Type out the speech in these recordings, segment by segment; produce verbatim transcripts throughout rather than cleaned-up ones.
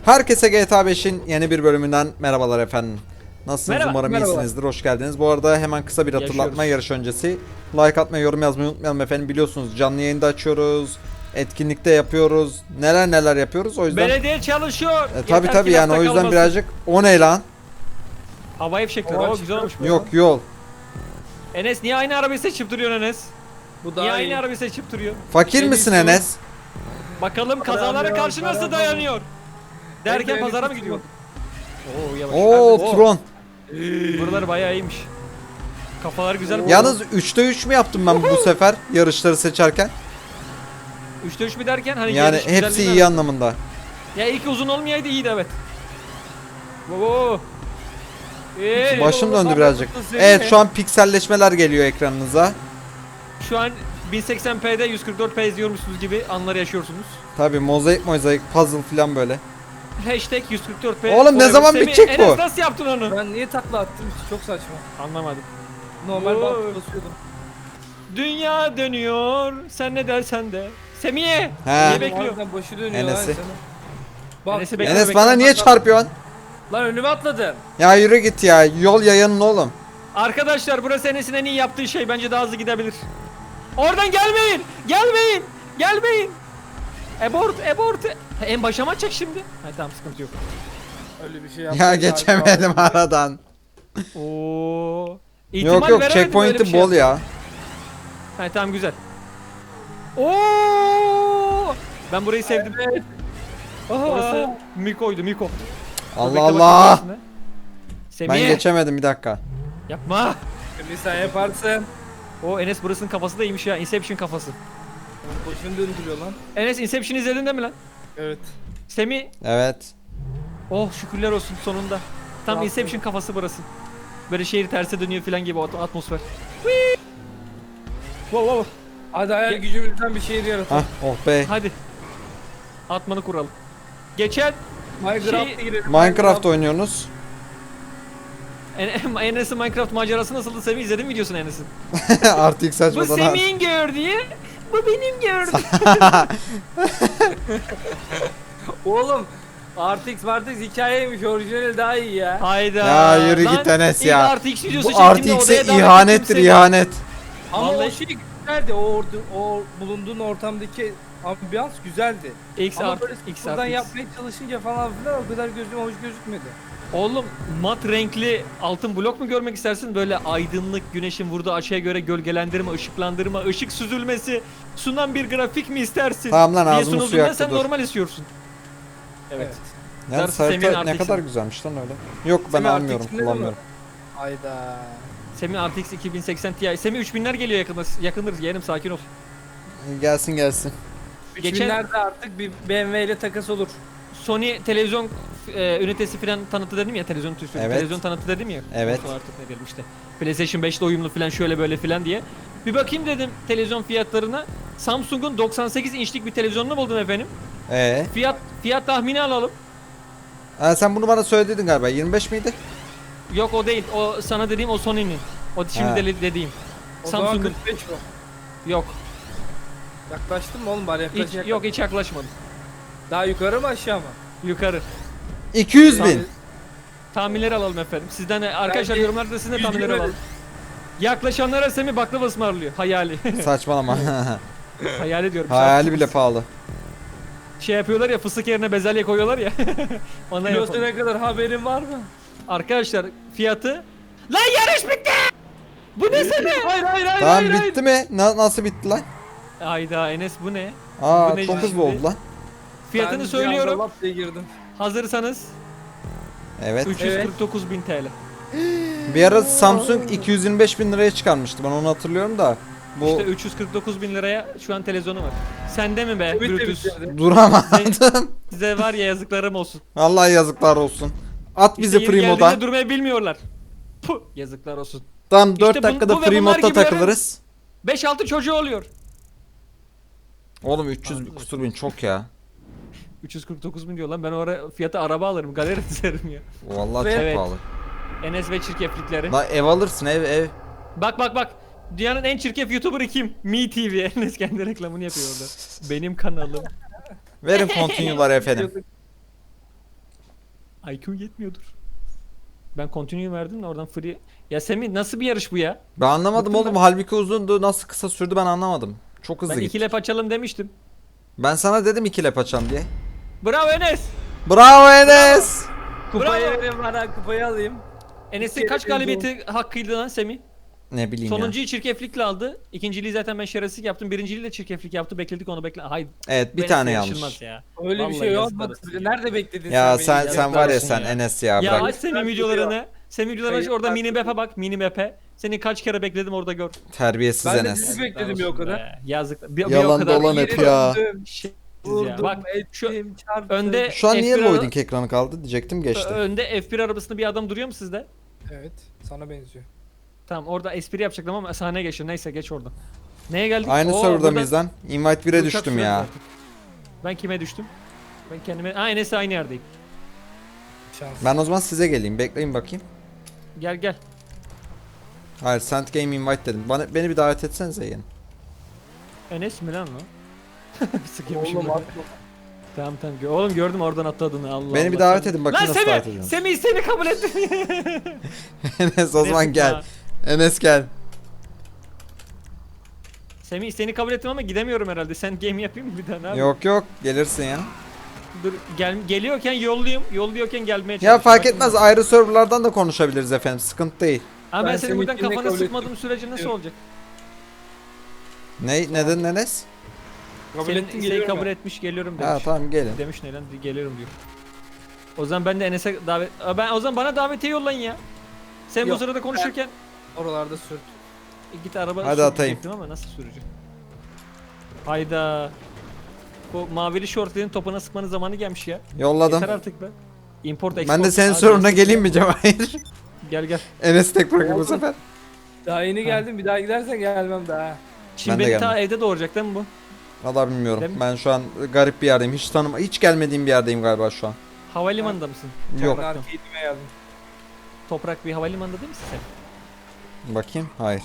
Herkese G T A beşin yeni bir bölümünden merhabalar efendim. Nasılsınız? Merhaba, Umarım merhabalar. iyisinizdir. Hoş geldiniz. Bu arada hemen kısa bir hatırlatma Yaşıyoruz. yarış öncesi. Like atmayı, yorum yazmayı unutmayalım efendim. Biliyorsunuz canlı yayında açıyoruz. Etkinlikte yapıyoruz. Neler neler yapıyoruz. O yüzden Belediye çalışıyor. e, tabi Yeter tabi ki yani lafta o yüzden kalmasın. birazcık o ne lan? Havai fişekler. Hava Oo güzel olmuş bu. Yok yol. Enes niye aynı arabayı seçip duruyorsun Enes? Bu Niye daha aynı iyi. arabayı seçip duruyor? Fakir En misin iyisi bu. Enes? Bakalım kazalara Dayanıyor, karşı nasıl dayanıyor. dayanıyor? Derken En pazara mı iyisi gidiyor? Oo yavaş. Oo Oo, Tron. Buralar bayağı iyiymiş. Kafalar güzel. bu. Yalnız üçte üç mü yaptım ben bu sefer yarışları seçerken? Üçte üç mü derken hani Yani yarış hepsi güzelliğine- iyi anlamında. Ya ilk uzun olmayaydı iyiydi evet. Oo. Ee, Başım oğlum, döndü bak, birazcık. bakın seni. Evet şu an pikselleşmeler geliyor ekranınıza. Şu an bin seksen p'de yüz kırk dört p izliyormuşsunuz gibi anlar yaşıyorsunuz. Tabi mozaik mozaik puzzle falan böyle. Hashtag yüz kırk dört p. Oğlum, ne zaman Semih, bitecek bu? Enes nasıl yaptın onu? Ben niye takla attım? Çok saçma. Anlamadım. Normal Oo. bantı basıyordum. Dünya dönüyor. Sen ne dersen de. Semih. He. Niye bekliyor? Harbiden başı dönüyor Enes'i. lan sana. Bak. Enes'i bekle. Enes bekle, bana niye bak, bak. çarpıyorsun? Lan önüme atladın. Ya yürü git ya. Yol yayanın oğlum. Arkadaşlar burası Enes'in en iyi yaptığı şey. Bence daha hızlı gidebilir. Oradan gelmeyin. Gelmeyin. Gelmeyin. Abort, abort. Ha, en başa mı açacak şimdi? Ha, tamam sıkıntı yok. Öyle bir şey Ya yaptım. geçemedim aradan. Oo. İhtimal Yok yok veremedim, öyle bir checkpoint'i şey bol ya. Ha tamam güzel. Oo! Ben burayı sevdim. Evet. Orası Miko'ydu Miko. Allah Bekle Allah. bakayım burasını. Semih. Ben geçemedim bir dakika. Yapma. Bir sen yaparsın. O Enes burasının kafası da iyiymiş ya. Inception kafası. Başını döndürüyor lan. Enes Inception izledin değil mi lan? Evet. Semih. Evet. Oh şükürler olsun sonunda. Tam Rahatladım. Inception kafası burası. Böyle şehir terse dönüyor falan gibi o at- atmosfer. Whee! Wow wow. Hadi hayal Ge- gücümüzden bir şehir yaratın. Hah oh be. Hadi. Atmanı kuralım. Geçen Minecraft'a Şey- girelim. Minecraft oynuyorsunuz. En- Enes'in Minecraft macerası nasıldı Semih, izledin mi videosunu Enes'in? Artık Bu saçmadan. Semih'in gördüğü, bu benim gördüğüm. Oğlum. R T X R T X hikayeymiş. Orijinali daha iyi ya. Hayda. Ya yürü Lan, git Enes ilk ya. R T X videosu Bu çektiğimde R T X'e odaya davet ihanettir ettim seni. ihanet. Ama Vallahi- o şey güzeldi. O, ordu, o bulunduğun ortamdaki ambiyans güzeldi. X Ama R böyle X buradan R T X. yapmaya çalışınca falan filan o kadar gözüme hoş gözükmedi. Oğlum mat renkli altın blok mu görmek istersin? Böyle aydınlık, güneşin vurduğu açıya göre gölgelendirme, ışıklandırma, ışık süzülmesi sunan bir grafik mi istersin? Tamam lan, diye ağzımı suya sunulduğunda aktı, sen dur. normal istiyorsun. Evet. Yani Darısı Semih'in harita ne R T X'e. kadar güzelmiş lan öyle. Yok ben Semih almıyorum, R T X'inde de mi? kullanmıyorum. Hayda. Semih R T X iki bin seksen Ti. Semih üç binler geliyor yakında. Yakındır yeğenim, sakin ol. Gelsin gelsin. Geçen- üç binlerde artık bir B M W ile takas olur. Sony televizyon e, ünitesi falan tanıtı dedim ya, televizyon tüsü, Evet. televizyon tanıtı dedim ya. Evet. Nasıl artık ne diyelim işte. PlayStation beş ile uyumlu falan şöyle böyle falan diye. Bir bakayım dedim televizyon fiyatlarına. Samsung'un doksan sekiz inçlik bir televizyonunu buldum efendim. Ee, Fiyat fiyat tahmini alalım. ha, sen bunu bana söyledin galiba. yirmi beş miydi? Yok o değil. O sana dediğim o Sony'nin. O şimdi Ha. de- dediğim. O zaman Samsung'un. kırk beş bu. Yok. Yaklaştın mı oğlum bari Hiç, yaklaşacak. yok hiç yaklaşmadım. Daha yukarı mı aşağı mı? Yukarı. iki yüz bin. Tahminleri alalım efendim. Sizden de arkadaşlar Bence yorumlarda sizin de yüz tahminleri yirmi. alalım. Yaklaşanlara Semih baklava ısmarlıyor. Hayali. Saçmalama. Hayali diyorum. Hayali bile pahalı. Şey yapıyorlar ya, fıstık yerine bezelye koyuyorlar ya. Ondan Kilosu yapalım. ne kadar haberin var mı? Arkadaşlar fiyatı. Lan yarış bitti! Bu ne Semih? Hayır hayır hayır Tamam hayır. hayır. bitti mi? Na- nasıl bitti lan? Ayda Enes bu ne? Aa Bu ne çok hızlı şimdi? oldu lan. Fiyatını Ben söylüyorum. bir anda lap diye girdim. Hazırsanız Evet. üç yüz kırk dokuz bin T L. Bir ara Samsung iki yüz yirmi beş bin liraya çıkarmıştı. Ben onu hatırlıyorum da. Bu İşte üç yüz kırk dokuz bin liraya şu an televizyonu var. Sende mi be Ümit de Brutus? bitirdi. duramadım. Size var ya yazıklarım olsun. Vallahi yazıklar olsun. At bizi İşte yeri free moda. geldiğinde durmayı bilmiyorlar. Puh, yazıklar olsun. Tamam dört bu- dakikada bu ve free bunlar modda gibilerin- takılırız. beş altı çocuğu oluyor. Oğlum üç yüz kusur bin çok ya. üç yüz kırk dokuz bin diyor lan, ben o ara fiyata araba alırım, galeri dizerim ya. Vallahi Ve- çok Evet. pahalı. Enes ve çirkeflikleri. La ev alırsın ev ev. Bak bak bak. Dünyanın en çirkef YouTuber'ı kim? Me T V. Enes kendi reklamını yapıyor orada. Benim kanalım. Verin continue'lar efendim. I Q yetmiyordur. Ben continue verdim de oradan free. Ya Semih nasıl bir yarış bu ya? Ben anlamadım Bıktım oğlum. ben. Halbuki uzundu. Nasıl kısa sürdü ben anlamadım. Çok hızlı Ben gitti. iki lap açalım demiştim. Ben sana dedim iki lap açam diye. Bravo Enes. Bravo Enes. Kupayı Bravo. verin bana, kupayı alayım. Enes'in İki kaç kere galibiyeti hakkıydı lan Semih? Ne bileyim ya. Sonuncuyu çirkeflikle aldı. İkinciliği zaten ben şerefsizlik yaptım. Birinciliği de çirkeflik yaptı. Bekledik onu bekle. Hayır. Evet bir bu tane Enes'le yanlış. yarışılmaz Ya, Öyle Vallahi bir şey yazıklar olmadı. olsun. Nerede bekledin Ya sen sen beni? sen var ya olsun sen ya. Enes ya, Ya bırak. aç Semih videolarını. Semih videolarını aç, Kayıp orada mini takip map'e bak. Mini map'e. Seni kaç kere bekledim orada gör. Terbiyesiz Ben de Enes. sizi bekledim ya o kadar. Be, Yazık. Bir, bir Yalan o kadar dolan hep ya. Döndüm, şey- Vurdum, ya. Bak şu ettim, çarptım. önde Şu an niye F bir ara- loading ekranı kaldı diyecektim geçti. Önde F bir arabasında bir adam duruyor mu sizde? Evet, sana benziyor. Tamam orada espri yapacaktım ama sahneye geçiyor. Neyse geç oradan. Neye geldik? Aynı Oo, serverda burada mıyız lan? Invite bire uçak düştüm sürüyoruz ya. artık. Ben kime düştüm? Ben kendime... Aa Enes'le aynı yerdeyim. Şans. Ben o zaman size geleyim. Bekleyin bakayım. Gel gel. Hayır Sent Game Invite dedim. Bana, beni bir davet etsenize yeni. Enes mi lan o? Sıkıyormuşum Oğlum ben. atma. Tamam tamam. Gö- Oğlum gördüm oradan atladığını. Allah Beni Allah. bir davet Semih- edin bakayım Lan nasıl davet Semih! ediyorum. Semih seni kabul ettim. Enes o zaman Neyse, gel. ha. Enes gel. Semih seni kabul ettim ama gidemiyorum herhalde. Sen game yapayım mı bir daha? Ne yapayım? Yok yok gelirsin ya. Dur gel geliyorken yollayayım. Yolluyorken gelmeye Ya çalışayım. fark Bakayım etmez ben. ayrı serverlardan da konuşabiliriz efendim. Sıkıntı değil. Ama ben, Ben senin seni buradan ikine kafanı kabul sıkmadığım sürece nasıl Yok. olacak? Ne neden Enes? Kabul Senin, ettin seni geliyorum kabul ben. etmiş geliyorum demiş. Ha tamam gelin. Demiş ne lan geliyorum diyor. O zaman ben de Enes'e davet... Aa, ben o zaman bana davetiye yollayın ya. Sen bu Yok, sırada konuşurken Oralarda sürt. e, git araba Hadi sür atayım. diyecektim ama nasıl süreceğim? Hayda. Bu mavili şortların topuna sıkmanın zamanı gelmiş ya. Yolladım. Yeter artık be. Import export. Ben de senin Hadi sorununa Enes. geleyim mi Cevahir? Gel gel. Enes tek bırakayım bu Oldu. sefer. Daha yeni geldim, bir daha gidersen gelmem daha. Şimdi Ben de beni ta gelmem. evde doğuracak değil mi bu? Valla bilmiyorum. Değil mi? Ben şu an garip bir yerdeyim. Hiç tanıma, hiç gelmediğim bir yerdeyim galiba şu an. Havalimanında mısın? Yok. Ben Toprakta. arcade'ime geldim. Toprak bir havalimanında değil misin sen? Bakayım. Hayır.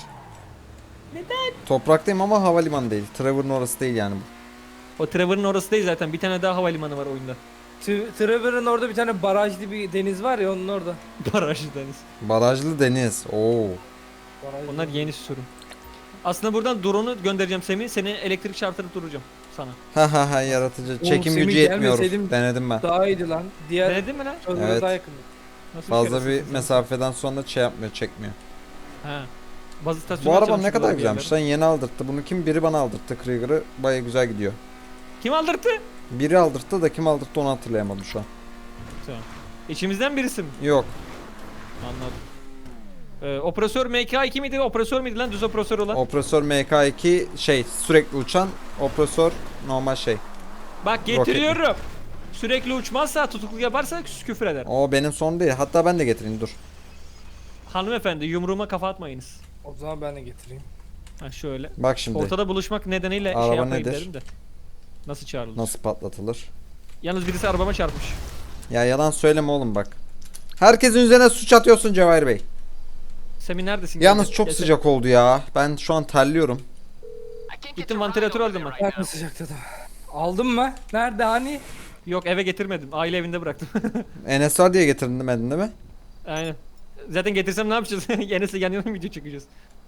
Neden? Topraktayım ama havalimanı değil. Trevor'ın orası değil yani bu. O Trevor'ın orası değil zaten. Bir tane daha havalimanı var oyunda. T- Trevor'ın orada bir tane barajlı bir deniz var ya, onun orada. Barajlı deniz. Barajlı deniz. Oo. Barajlı. Onlar yeni sürüm. Aslında buradan drone'u göndereceğim Semih. Seni elektrik çarptırıp duracağım sana. Ha ha ha yaratıcı. Oğlum, Çekim Semih gücü yetmiyor. gelmeseydim- Denedim ben. Daha iyiydi lan. Diğer Denedin mi lan? server'a Evet. daha yakındı. Nasıl Fazla bir şerefsizsin sen? mesafeden sonra şey yapmıyor, çekmiyor. Ha. Bazı Bu istasyonlar araba ne çalışıyor kadar bir güzelmiş yerlerde. lan, yeni aldırttı. Bunu kim? Biri bana aldırttı Krieger'ı. Baya güzel gidiyor. Kim aldırttı? Biri aldırttı da kim aldırttı onu hatırlayamadım şu an. Tamam. İçimizden birisi mi? Yok. Anladım. Ee, operatör M K iki miydi? Operatör müydü lan? Düz operatör olan. Opresör M K iki şey sürekli uçan, opresör normal şey. Bak getiriyorum. Sürekli uçmazsa, tutukluk yaparsa küfür eder. O benim sorun değil. Hatta ben de getireyim dur. Hanımefendi yumruğuma kafa atmayınız. O zaman ben de getireyim. Ha şöyle. Bak şimdi Ortada buluşmak nedeniyle Araba şey yapmayın nedir? dedim de. Nasıl çağrılır? nasıl patlatılır. Yalnız birisi arabama çarpmış. Ya yalan söyleme oğlum bak. Herkesin üzerine suç atıyorsun Cevahir Bey. Semih neredesin? Yalnız Gel- çok gel- sıcak oldu ya. Ben şu an terliyorum. Gittim vantilatör aldım ben. Ben sıcakta da. Aldın mı? Nerede hani? Yok eve getirmedim. Aile evinde bıraktım. Enes var diye getirdin demedin değil mi? Aynen. Zaten getirsem ne yapacağız? Enes'le yan yana mı video çekeceğiz?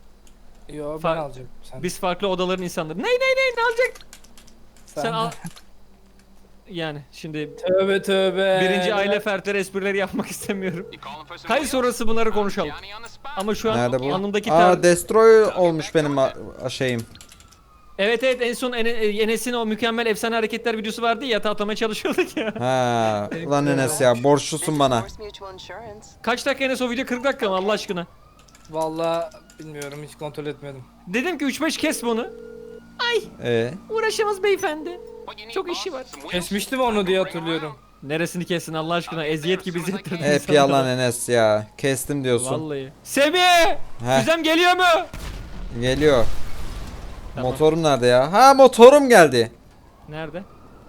Yo ben Fa- alacağım. Sen, Biz farklı odaların insanları. Ney ney ney ne alacak? sen, Sen al. Yani şimdi Tövbe tövbe. birinci aile fertleri esprileri yapmak istemiyorum. Kayıt sonrası bunları konuşalım. Ama şu an Nerede bu? anımdaki Aa tar- Destroy olmuş benim a- a- şeyim. Evet evet en son Ene- Enes'in o mükemmel efsane hareketler videosu vardı ya, yatağa atlamaya çalışıyorduk ya. Ha, ulan Enes ya borçlusun bana. Kaç dakika Enes o video? kırk dakika mı Allah aşkına? Vallahi bilmiyorum, hiç kontrol etmedim. Dedim ki üç beş kes bunu. Ay Ee, uğraşamaz beyefendi. Çok işi var. Kesmiştim onu diye hatırlıyorum. Neresini kessin Allah aşkına, eziyet gibi izlettirdin hep insanlara. yalan Enes ya. Kestim diyorsun. Vallahi. Semih! Heh. Güzem geliyor mu? Geliyor. Tamam. Motorum nerede ya? Ha motorum geldi. Nerede?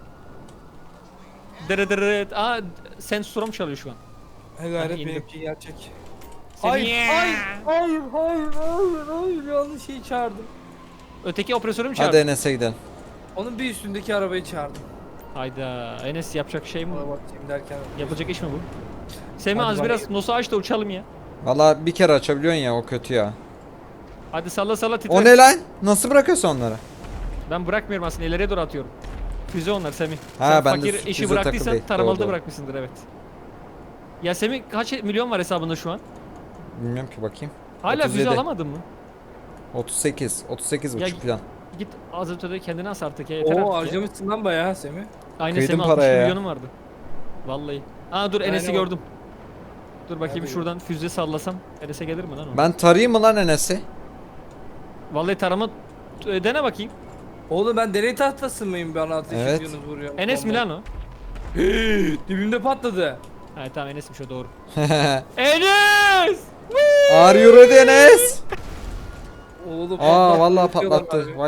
Dırı dırı. Aa sensörüm çalıyor şu an. He gayret Hadi indim. benimki gerçek. Semih! Hayır, hayır, hayır, hayır, hayır, hayır, yanlış şeyi çağırdım. Öteki operatörü mü Hadi çağırdın? Enes'e gidelim. Onun bir üstündeki arabayı çağırdım. Hayda. Enes yapacak şey mi? Ona bakayım derken. Yapılacak iş mi bu? Semih Hadi az bakayım. biraz nosu aç da uçalım ya. Valla bir kere açabiliyorsun ya, o kötü ya. Hadi salla salla titre. O ne lan? Nasıl bırakıyorsun onları? Ben bırakmıyorum aslında, ileriye doğru atıyorum. Füze onlar Semih. Ha, Sen ben de fakir füze işi takılı bıraktıysan değil. tarımalı Doğru, da doğru. bırakmışsındır, evet. Ya Semih kaç milyon var hesabında şu an? Bilmiyorum ki, bakayım. Hala otuz füze yedi. alamadın mı? otuz sekiz. otuz sekiz Ya- buçuk falan. Git az ötede kendine as artık ya, yeter Oo artık ya. harcamışsın lan bayağı Semih. Aynen Kıydın Semih altmış paraya ya. milyonum vardı. Vallahi. Aa dur, Enes'i Aynen. gördüm. Dur bakayım Nerede şuradan füze sallasam Enes'e gelir mi lan o? Ben tarayayım mı lan Enes'i? Vallahi tarama e, dene bakayım. Oğlum ben deney tahtası mıyım, bana ateş Evet. ediyorsunuz, vuruyorum. Enes mi Bomba. lan o? Dibimde patladı. Ha tamam, Enes'miş o, doğru. Enes! Are you ready Enes? Oğlum Aa patlattı, vallahi uçuyorlar patlattı. abi. Vay.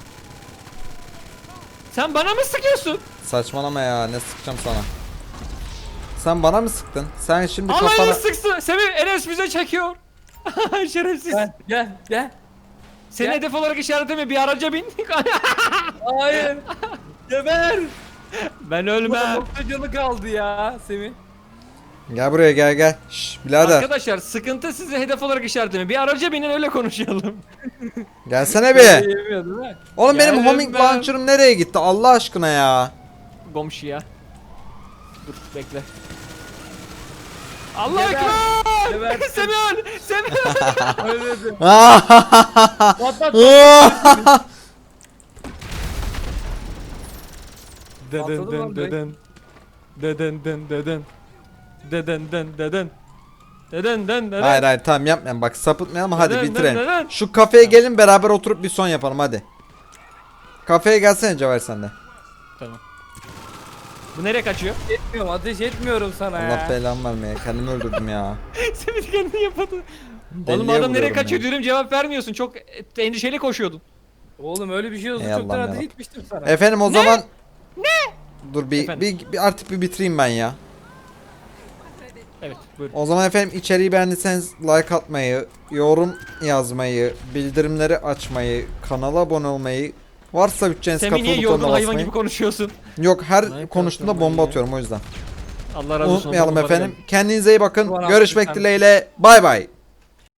Sen bana mı sıkıyorsun? Saçmalama ya, ne sıkacağım sana. Sen bana mı sıktın? Sen şimdi Allah'ını kafana... sıksın. Semih, Enes füze çekiyor. Şerefsiz. Gel gel gel. Seni Gel. hedef olarak işaretleme, bir araca bin. Hayır. Geber. Ben Ulan ölmem. nokta canı kaldı ya Semih. Gel buraya, gel gel. Şş birader. Arkadaşlar sıkıntı sizi hedef olarak işaretleme. Bir araca binin, öyle konuşalım. Gelsene bir. Yemiyor değil mi? Oğlum benim Geldim homing ben. launcher'ım nereye gitti Allah aşkına ya? Komşu ya. Dur bekle. Allah Geber. ekber! Gebersin. Semih öl! Semih öl! Öyle dedim. Patlat! Patladı Deden lan deden deden deden deden deden deden deden deden deden deden. Hayır hayır tamam yapmayalım, bak sapıtmayalım, hadi Neden, bitirelim. neden, neden? Şu kafeye gelin, beraber oturup bir son yapalım hadi. Kafeye gelsene Cevher sen de. Tamam. Bu nereye kaçıyor? Etmiyorum, ateş etmiyorum sana Allah ya. belamı vermeye, kendimi öldürdüm ya. Semih kendini yapmadı. Deliye Oğlum adam nereye vuruyorum kaçıyor ya. diyorum, cevap vermiyorsun. Çok endişeli koşuyordun. Oğlum öyle bir şey olsa Ey çoktan Allah'ım ateş yarabbim. etmiştim sana. Efendim o zaman... Ne? Dur bir, Efendim? bir, bir artık bir bitireyim ben ya. Evet buyurun. O zaman efendim içeriği beğendiyseniz like atmayı, yorum yazmayı, bildirimleri açmayı, kanala abone olmayı, varsa bütçeniz Semih niye kapalı yorgun butonuna hayvan basmayı. gibi konuşuyorsun? Yok, her Like konuştuğumda atmayı bomba ya. atıyorum o yüzden. Allah razı olsun. Unutmayalım ondan efendim. bakalım. Kendinize iyi bakın. Bana Görüşmek lütfen. dileğiyle. Bay bay.